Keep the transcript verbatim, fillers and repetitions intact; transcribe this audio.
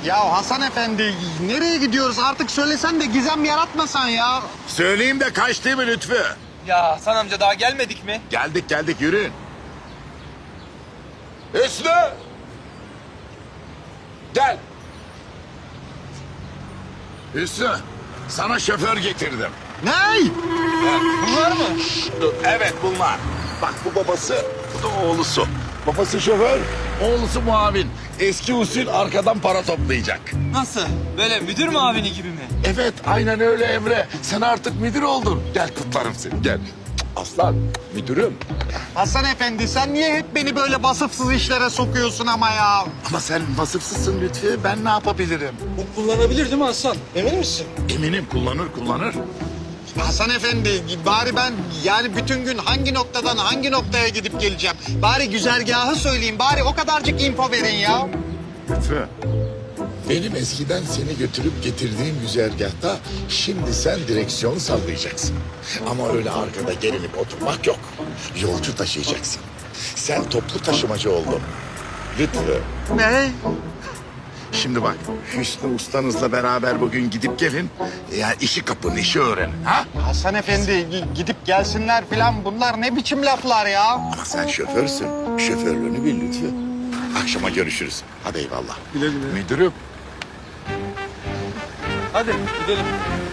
Ya Hasan Efendi nereye gidiyoruz artık söylesen de gizem yaratmasan ya. Söyleyeyim de kaç değil mi Lütfü? Ya Hasan amca daha gelmedik mi? Geldik geldik yürüyün. Hüsnü! Gel. Hüsnü, sana şoför getirdim. Ney? Bunlar mı? Evet bunlar. Bak bu babası, bu da oğlusu. Babası şoför, oğlusu muavin. Eski usul arkadan para toplayacak. Nasıl? Böyle müdür muavini gibi mi? Evet, aynen öyle Emre. Sen artık müdür oldun. Gel kutlarım seni, gel. Aslan, müdürüm. Hasan Efendi sen niye hep beni böyle vasıfsız işlere sokuyorsun ama ya? Ama sen vasıfsızsın Lütfü. Ben ne yapabilirim? Bu kullanabilir değil mi Hasan? Emin misin? Eminim kullanır, kullanır. Hasan Efendi bari ben yani bütün gün hangi noktadan hangi noktaya gidip geleceğim? Bari güzergahı söyleyeyim bari o kadarcık info verin ya. Lütfü. Benim eskiden seni götürüp getirdiğim güzergahta şimdi sen direksiyon sallayacaksın. Ama öyle arkada gerilip oturmak yok. Yolcu taşıyacaksın. Sen toplu taşımacı oldun. Lütfü. Ne? Şimdi bak Hüsnü ustanızla beraber bugün gidip gelin. Yani işi kapın, işi öğrenin. Ha? Hasan Efendi gi- gidip gelsinler falan bunlar ne biçim laflar ya? Ama sen şoförsün. Şoförlüğünü bil Lütfü. Akşama görüşürüz. Hadi eyvallah. Güle güle. Müdürüm. Hadi gidelim.